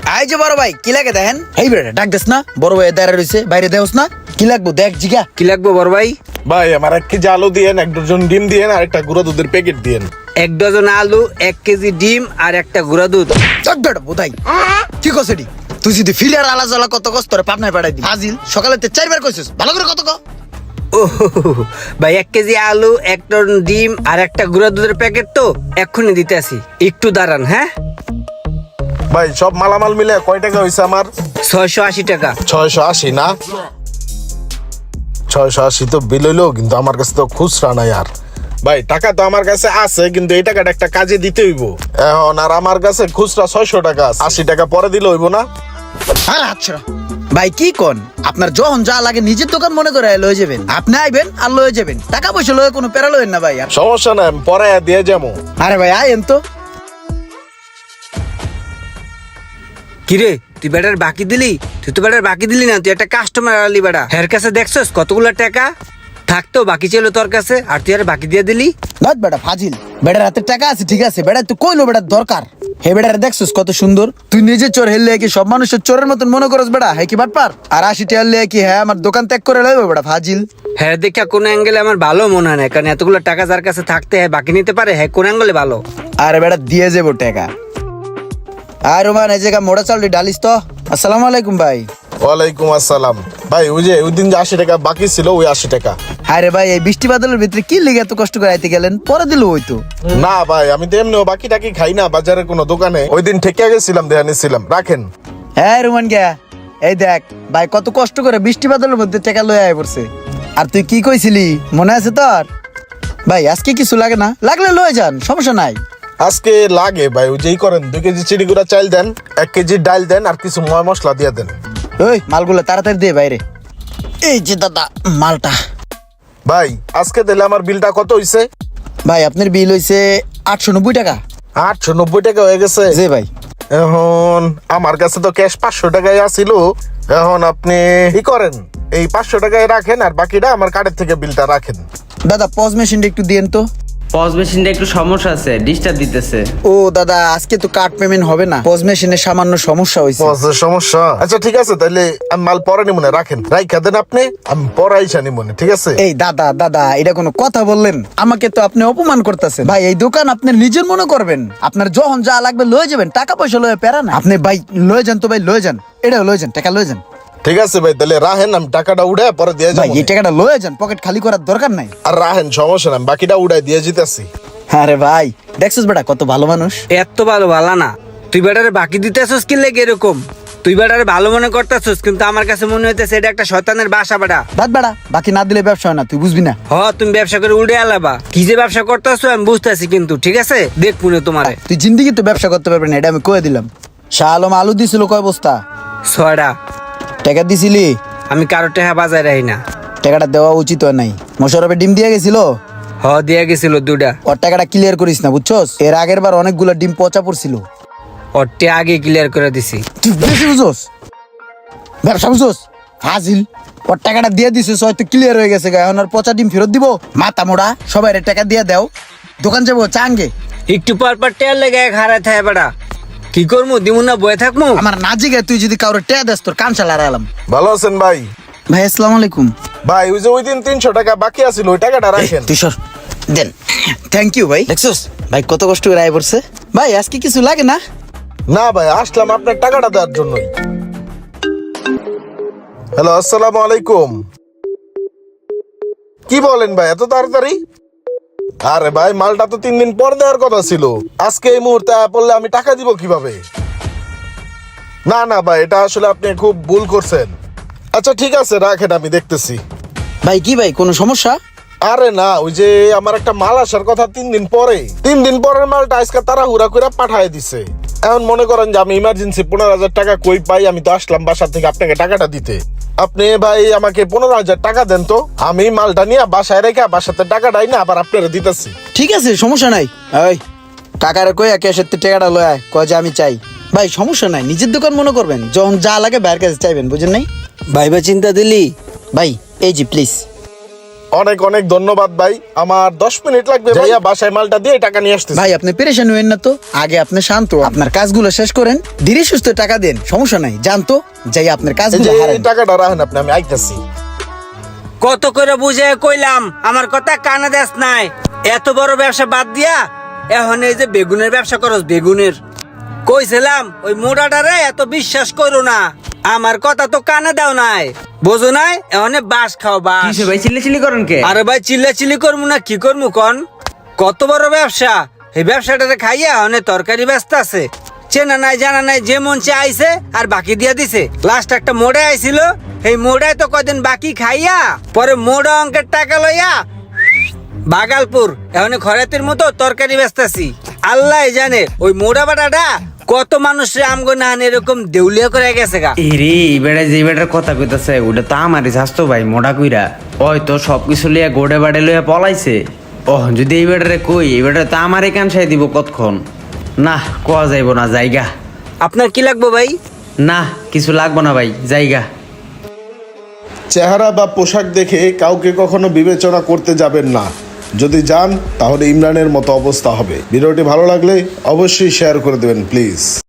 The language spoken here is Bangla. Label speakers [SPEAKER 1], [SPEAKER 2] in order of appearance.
[SPEAKER 1] আই যে বড় ভাই কি লাগে দেখেন? এই বেটা ডাক দেস না, বড় ভাই দাঁড়া রইছে, বাইরে দেওস না? কি লাগবো দেখ জিগা।
[SPEAKER 2] কি লাগবে বড় ভাই?
[SPEAKER 3] ভাই আমার 1 কেজি আলু দিয়েন, 1 ডজন ডিম দিয়েন আর একটা গুঁড়া দুধের প্যাকেট দিয়েন।
[SPEAKER 2] 1 ডজন আলু, 1 কেজি ডিম আর একটা গুঁড়া দুধ।
[SPEAKER 1] চক বেটা বোধাই কি কসেডি? তুই যদি ফিলার আলা জ্বালা কত কষ্ট করে পাবনায় পাঠাই দি হাজিল সকালে 4বার কইছিস, ভালো করে কত ক।
[SPEAKER 2] ও ভাই 1 কেজি আলু, 1 টন ডিম আর একটা গুঁড়া দুধের প্যাকেট তো এক্ষুনি দিতে আসি, একটু দাঁড়ান। হ্যাঁ
[SPEAKER 3] ভাই সব মালামাল মিলে কয় টাকা হইছে আমার?
[SPEAKER 2] 680 টাকা।
[SPEAKER 3] 680 না? 680 তো বিল হইলো, কিন্তু আমার কাছে তো খুচরা নাই। আর ভাই টাকা তো আমার কাছে আছে, কিন্তু এই টাকাটা একটা কাজে দিতে হইব এখন। আর আমার কাছে খুচরা 600 টাকা আছে, 80 টাকা পরে দিলে হইব না?
[SPEAKER 1] আর আচ্ছা ভাই কি কোন, আপনার যখন যা লাগে নিজের দোকান মনে করে লয়ে যাবেন, আপনি আইবেন আর লয়ে যাবেন, টাকা পয়সা লয়ে কোনো প্যারা লয়েন না ভাই। আর
[SPEAKER 3] সমস্যা নাই, আমি পরে দিয়ে যাবো।
[SPEAKER 1] আরে ভাই আইন তো।
[SPEAKER 2] কিরে তুই বেটার বাকি দিলি? তুই তো বেটার বাকি দিলি না, তুই একটা কাস্টমার আলি বেটা। হের কাছে দেখছস কতগুলা টাকা থাকতো বাকি ছিল তোর কাছে, আর তুই আর বাকি দিয়ে দিলি।
[SPEAKER 1] নট বেটা ফাজিল, বেটার হাতে টাকা আছে ঠিক আছে, বেটা তুই কইলো বেটার দরকার। হে বেটার দেখছস কত সুন্দর, তুই নিজে চোর হেললে কি সব মানুষের চোরের মতন মনে করস বেটা? হ্যাঁ কি বাটপার? আর 80 টাকা হলে কি হ্যাঁ আমার দোকান ত্যাগ করে লইব বেটা ফাজিল?
[SPEAKER 2] হ্যাঁ দেখা কোন অ্যাঙ্গেলে আমার ভালো মনে হয় না, কারণ এতগুলো টাকা যার কাছে থাকতে হ্যাঁ বাকি নিতে পারে, হ্যাঁ কোন অ্যাঙ্গেলে ভালো।
[SPEAKER 1] আরে বেটা দিয়ে যাবো টাকা। আর রোমান এই জায়গা মোড়া চাল ডালিস তো। আসসালামু আলাইকুম ভাই।
[SPEAKER 3] ওয়ালাইকুম আসসালাম। ভাই ওই যে ওই দিন যে 80 টাকা বাকি ছিল, ওই 80 টাকা।
[SPEAKER 1] আরে ভাই এই বৃষ্টি বাদলের ভিতরে কি লেগে এত কষ্ট করে আইতে গেলেন? পরে দিল ওই তো।
[SPEAKER 3] না ভাই আমি তো এমনিও বাকি টাকি খাই না বাজারে কোনো দোকানে, ওই দিন ঠেকে গেছিলাম, দেয়া নিছিলাম, রাখেন।
[SPEAKER 1] হ্যাঁ রোমান গিয়া এই দেখ ভাই কত কষ্ট করে বৃষ্টি বাদলের মধ্যে টাকা লয়ে আয় পড়ছে। আর তুই কি কইছিলি মনে আছে তোর? ভাই আজকে কিছু লাগে না, লাগলে লয়ে যান, সমস্যা নাই।
[SPEAKER 3] আজকে লাগে ভাই, ওই যেই করেন 2 কেজি চিড়িগুড়া চাল দেন, 1 কেজি ডাল দেন আর কিছু ময় মশলা দিয়ে দেন।
[SPEAKER 1] ওই মালগুলো তাড়াতাড়ি দিয়ে বাইরে। এই যে দাদা মালটা।
[SPEAKER 3] ভাই আজকে দিলে আমার বিলটা কত হইছে?
[SPEAKER 1] ভাই আপনার বিল হইছে 890 টাকা।
[SPEAKER 3] 890 টাকা হয়ে গেছে?
[SPEAKER 1] জি ভাই।
[SPEAKER 3] এখন আমার কাছে তো ক্যাশ 500 টাকাই আছিল। এখন আপনি কি করেন, এই 500 টাকায় রাখেন আর বাকিটা আমার কার্ডের থেকে বিলটা রাখেন।
[SPEAKER 1] দাদা পজ মেশিনটা একটু দিয়েন তো।
[SPEAKER 4] পজ মেশিনটা একটু সমস্যা আছে, ডিস্টার্ব দিতেছে।
[SPEAKER 1] ও দাদা আজকে তো কার্ড পেমেন্ট হবে না, পজ মেশিনের সামান্য সমস্যা হয়েছে।
[SPEAKER 3] বসের সমস্যা? আচ্ছা ঠিক আছে, তাহলে আমি মাল পরে নিব না, রাখেন, রাইখা দেন আপনি, আমি পরে আইসা নিব না, ঠিক আছে?
[SPEAKER 1] এই দাদা দাদা এটা কোনো কথা বললেন? আমাকে তো আপনি অপমান করতেছেন ভাই। এই দোকান আপনি নিজের মনে করবেন, আপনার যখন যা লাগবে লয়ে যাবেন, টাকা পয়সা লয়ে পেরা না। আপনি ভাই লয়ে যান তো, ভাই লয়ে যান, এটা লয়ে যান, টাকা লয়ে যান।
[SPEAKER 3] ঠিক আছে ভাই, তাহলে রাহেন, আমি টাকাটা উড়ে পরে দিয়ে
[SPEAKER 1] ভাই
[SPEAKER 3] যাবো।
[SPEAKER 1] এই টাকাটা লয়ে যান, পকেট খালি করার দরকার নাই।
[SPEAKER 3] আর রাহেন, সমস্যা না, আমি বাকিটা উড়াই দিয়ে যেতেছি।
[SPEAKER 1] আরে ভাই দেখছিস বেটা কত ভালো মানুষ।
[SPEAKER 2] এত ভালো ভালো না, তুই বেটারে বাকি দিতে আসছিস কি লেগে এরকম? তুই বেটারে ভালো মনে করতেছিস, কিন্তু আমার কাছে মনে হইতেছে এটা একটা শয়তানের বাসা বেটা।
[SPEAKER 1] বাদ বেটা, বাকি না দিলে ব্যবসা হয় না, তুই বুঝবি না।
[SPEAKER 2] তুমি ব্যবসা করে উড়ে আলাবা, কি যে ব্যবসা করতেছো আমি বুঝতেছি, কিন্তু ঠিক আছে দেখ পুনে তোমারে।
[SPEAKER 1] তুই জিন্দিগি তো ব্যবসা করতে পারবি না, এটা আমি কয়ে দিলাম। শাহ আলম আলু দিছিল কয় বস্তা?
[SPEAKER 2] 6টা।
[SPEAKER 1] টাকা দিছিলি?
[SPEAKER 2] আমি কারো টাকা বাজায় রাখি না।
[SPEAKER 1] টাকাটা দেওয়া উচিত হয় নাই। মোশারফে ডিম দিয়ে গেছিল,
[SPEAKER 2] দিয়া গেছিল 2টা।
[SPEAKER 1] ওর টাকাটা ক্লিয়ার করিস না বুঝছস? এর আগের বার অনেকগুলো ডিম পচা পড়ছিল।
[SPEAKER 2] ওরটা আগে ক্লিয়ার করে দিছি।
[SPEAKER 1] তুই বেশি বুঝছস, ব্যবসা বুঝছস হাজিল। ওর টাকাটা দিয়ে দিছিস, হয়তো ক্লিয়ার হয়ে গেছে, এখন আর পচা ডিম ফেরত দিব? মাথা মোড়া, সবাই টাকা দিয়ে দাও, দোকান যাবো চাঙ্গে।
[SPEAKER 2] একটু পর পর টেয়ার লেগে হারায় থাকে বেটা, কি করবো? দিমু না বয়ে থাকবো?
[SPEAKER 1] আমার না জিগে তুই যদি কাউরে টেয়া দেস তোর কান চালা আলাম।
[SPEAKER 3] ভালো আছেন ভাই?
[SPEAKER 1] ভাই আসসালামু আলাইকুম।
[SPEAKER 3] ভাই ওই যে ওই দিন 300 টাকা বাকি আছিল, ওই টাকাটা রাখেন।
[SPEAKER 1] তুই সর দেন। থ্যাংক ইউ ভাই। দেখছস ভাই কত কষ্ট করে আয় পড়ছে। ভাই আজকে কিছু লাগে না?
[SPEAKER 3] না ভাই, আসলাম আপনার টাকাটা দেওয়ার জন্যই। হ্যালো, আসসালামু আলাইকুম। কি বলেন ভাই এত তাড়াতাড়ি? আরে ভাই মালটা তো 3 দিন পর দেওয়ার কথা ছিল, আজকে এই মুহূর্তে পড়লে আমি টাকা দিব কিভাবে? না না ভাই, এটা আসলে আপনি খুব ভুল করছেন। আচ্ছা ঠিক আছে রাখেন, আমি দেখতেছি।
[SPEAKER 1] ভাই কি ভাই কোনো সমস্যা?
[SPEAKER 3] আরে না, ওই যে আমার একটা মাল আসার কথা 3 দিন পরে, 3 দিন পরের মালটা আজকে তারা হুড়া করে পাঠায় দিছে। এখন মনে করেন যে আমি ইমার্জেন্সি 15,000 টাকা কই পাই, আমি তো আসলাম বাসা থেকে আপনাকে টাকাটা দিতে। আপনি ভাই আমাকে 15,000 টাকা দেন তো, আমি মালটা নিয়ে বাসায় রেখে বাসাতে টাকাটাই না আবার আপনারা দিতেছি।
[SPEAKER 1] ঠিক আছে সমস্যা নাই। ওই কাকারে কই ক্যাশের টাকাটা লয় আয়, কয় যে আমি চাই। ভাই সমস্যা নাই, নিজের দোকান মনে করবেন, যখন যা লাগে বাইরের কাছে চাইবেন, বুঝেন নাই?
[SPEAKER 2] ভাইবা চিন্তা দিলি?
[SPEAKER 1] ভাই এই জি প্লিজ।
[SPEAKER 3] অনেক অনেক ধন্যবাদ ভাই, আমার 10 মিনিট লাগবে ভাইয়া, বাসায় মালটা দিয়ে টাকা নিয়ে আসতেছি।
[SPEAKER 1] ভাই আপনি পেরেশান হইেন না তো, আগে আপনি শান্ত আপনার কাজগুলো শেষ করেন, ধীরে সুস্থ টাকা দেন, সমস্যা নাই, জানতো যাই আপনার
[SPEAKER 3] এই
[SPEAKER 1] কাজগুলো
[SPEAKER 3] যে
[SPEAKER 1] হারান।
[SPEAKER 3] এই টাকাটা রাখেন আপনি, আমি আইতাছি।
[SPEAKER 2] কত করে বুঝে কইলাম, আমার কথা কানে দেস নাই। এত বড় ব্যবসা বাদ দিয়া এখন এই যে বেগুনের ব্যবসা করস, বেগুনের। কইছিলাম ওই মোড়াটারে এত বিশ্বাস করো না, আমার কথা তো কানে দাও নাই, বোঝো নাই? এখন বাস খাও বাস।
[SPEAKER 4] কিসে ভাই চিল্লি করেন কে?
[SPEAKER 2] আরে ভাই চিল্লা চিল্লি করবো না কি করবো কন? কত বড় ব্যবসা, এই ব্যবসাটারে খাইয়া অনেক তরকারি ব্যস্ত আছে, চেনা নাই জানা নাই, যে মন চে আইছে আর বাকি দিয়া দিছে। লাস্ট একটা মোড়ে আইছিল, এই মোড়ায় তো কদিন বাকি খাইয়া পরে মোড়া অঙ্কের টাকা লইয়া বাগালপুর এখন খরাতের মতো তরকারি ব্যস্তাছি। আল্লাহ জানে ওই মোড়া বাটাটা কত মানুষের আমগো না এরকম দেউলিয়া করে গেছে গা।
[SPEAKER 4] এরে বেড়া যে বেটার কথা কইতাছে ওটা তো আমারই স্বাস্থ্য ভাই মোটা কইরা, ওই তো সবকিছু লিয়া গোড়ে বাড়ে লইয়া পলাইছে। ওহ যদি এই বেটারে কই, এই বেটারে তো আমারই কানসাই দিব কতক্ষণ। না কোয়া যাইব না, জায়গা।
[SPEAKER 2] আপনার কি লাগবে ভাই?
[SPEAKER 4] না কিছু লাগবো না ভাই, জায়গা।
[SPEAKER 3] চেহারা বা পোশাক দেখে কাউকে কখনো বিবেচনা করতে যাবেন না, যদি যান তাহলে ইমরানের মতো অবস্থা হবে। ভিডিওটি ভালো লাগলে অবশ্যই শেয়ার করে দেবেন প্লিজ।